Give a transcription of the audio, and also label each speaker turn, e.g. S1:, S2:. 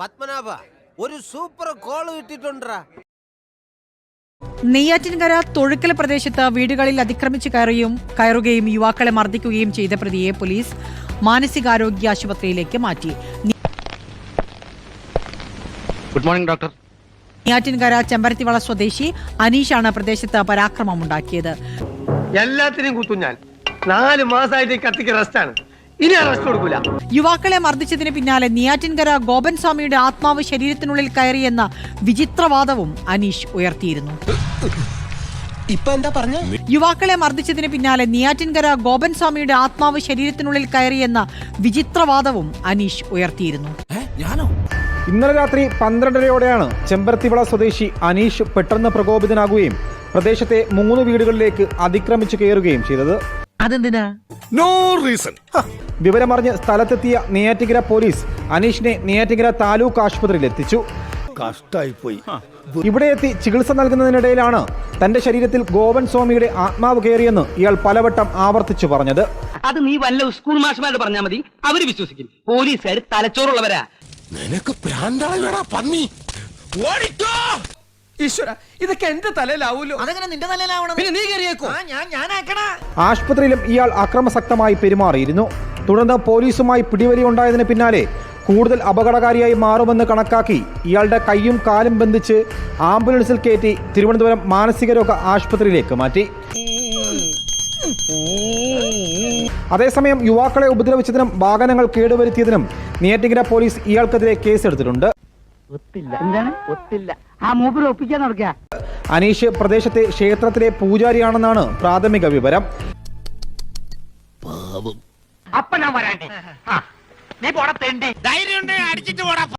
S1: പത്മനാഭ ഒരു super call കിട്ടിട്ടുണ്ടാ.
S2: നെയ്യാറ്റിൻകര തൊഴുക്കൽ പ്രദേശത്ത് വീടുകളിൽ അതിക്രമിച്ച് കയറുകയും യുവാക്കളെ മർദ്ദിക്കുകയും ചെയ്ത പ്രതിയെ പോലീസ് മാനസികാരോഗ്യ ആശുപത്രിയിലേക്ക് മാറ്റി.
S3: Good morning doctor.
S2: Neyyattinkara Chembarathivila സ്വദേശി അനീഷാണ് പ്രദേശത്ത് പരാക്രമമുണ്ടാക്കിയത്.
S4: എല്ലാത്തിനും കുത്തും ഞാൻ. 4 മാസമായിട്ട് കത്തിക്ക് റെസ്റ്റാണ്. ഇനി റെസ്റ്റ് കൊടുക്കൂല.
S2: യുവാക്കളെ മർദ്ദിച്ചതിന് പിന്നാലെ നെയ്യാറ്റിൻകര ഗോപൻ സ്വാമിയുടെ ആത്മാവ് ശരീരത്തിനുള്ളിൽ കയറിയെന്ന വിചിത്രവാദവും അനീഷ് ഉയർത്തിയിരുന്നു. യുവാക്കളെ മർദ്ദിച്ചതിന് പിന്നാലെ നെയ്യാറ്റിൻകര ഗോപൻ സ്വാമിയുടെ ആത്മാവ് ശരീരത്തിനുള്ളിൽ കയറിയെന്ന വിചിത്രവാദവും അനീഷ് ഉയർത്തിയിരുന്നു.
S5: ഇന്നലെ രാത്രി 12:30യോടെയാണ് ചെമ്പരത്തിവള സ്വദേശി അനീഷ് പെട്ടെന്ന് പ്രകോപിതനാകുകയും പ്രദേശത്തെ 3 വീടുകളിലേക്ക് അതിക്രമിച്ചു കയറുകയും ചെയ്തത്.
S2: അതെന്തിനാ?
S6: No reason.
S5: വിവരമറിഞ്ഞ് സ്ഥലത്തെത്തിയ നെയ്യാറ്റിൻകര പോലീസ് അനീഷിനെ നെയ്യാറ്റിൻകര താലൂക്ക് ആശുപത്രിയിൽ എത്തിച്ചു.
S6: കഷ്ടായിപ്പോയി.
S5: ഇവിടെ എത്തി ചികിത്സ നൽകുന്നതിനിടയിലാണ് തന്റെ ശരീരത്തിൽ ഗോപൻ സ്വാമിയുടെ ആത്മാവ് കയറിയെന്ന് ഇയാൾ പലവട്ടം ആവർത്തിച്ചു പറഞ്ഞത്.
S4: അത് നീ വല്ല സ്കൂൾ മാഷ്മാരോട് പറഞ്ഞാൽ മതി, അവര് വിശ്വസിക്കും. പോലീസുകാർ തലച്ചോറുള്ളവരാ.
S6: നിനക്ക് പ്രാന്താളാ പന്നി. ഓടിക്കോ ഈശ്വര, ഇതൊക്കെ എന്റെ തലയിലാവൂലോ.
S1: അതെങ്ങനെ നിന്റെ തലയിലാവണം?
S6: പിന്നെ നീ കയറിയേക്കോ.
S5: ആശുപത്രിയിലും ഇയാൾ അക്രമസക്തമായി പെരുമാറിയിരുന്നു. തുടർന്ന് പോലീസുമായി പിടിവലി ഉണ്ടായതിന് പിന്നാലെ കൂടുതൽ അപകടകാരിയായി മാറുമെന്ന് കണക്കാക്കി ഇയാളുടെ കൈയും കാലും ബന്ധിച്ച് ആംബുലൻസിൽ കയറ്റി തിരുവനന്തപുരം മാനസികരോഗ ആശുപത്രിയിലേക്ക് മാറ്റി. അതേസമയം യുവാക്കളെ ഉപദ്രവിച്ചതിനും വാഹനങ്ങൾ കേടുവരുത്തിയതിനും നെയ്യാറ്റിൻകര പോലീസ് ഇയാൾക്കെതിരെ കേസെടുത്തിട്ടുണ്ട്. അനീഷ് പ്രദേശത്തെ ക്ഷേത്രത്തിലെ പൂജാരിയാണെന്നാണ് പ്രാഥമിക വിവരം.
S4: അപ്പൊ ഞാൻ വരാണ്ടേ. നീ പോടാ തെണ്ടി.
S6: ധൈര്യം അടിച്ചിട്ട് പോടാ.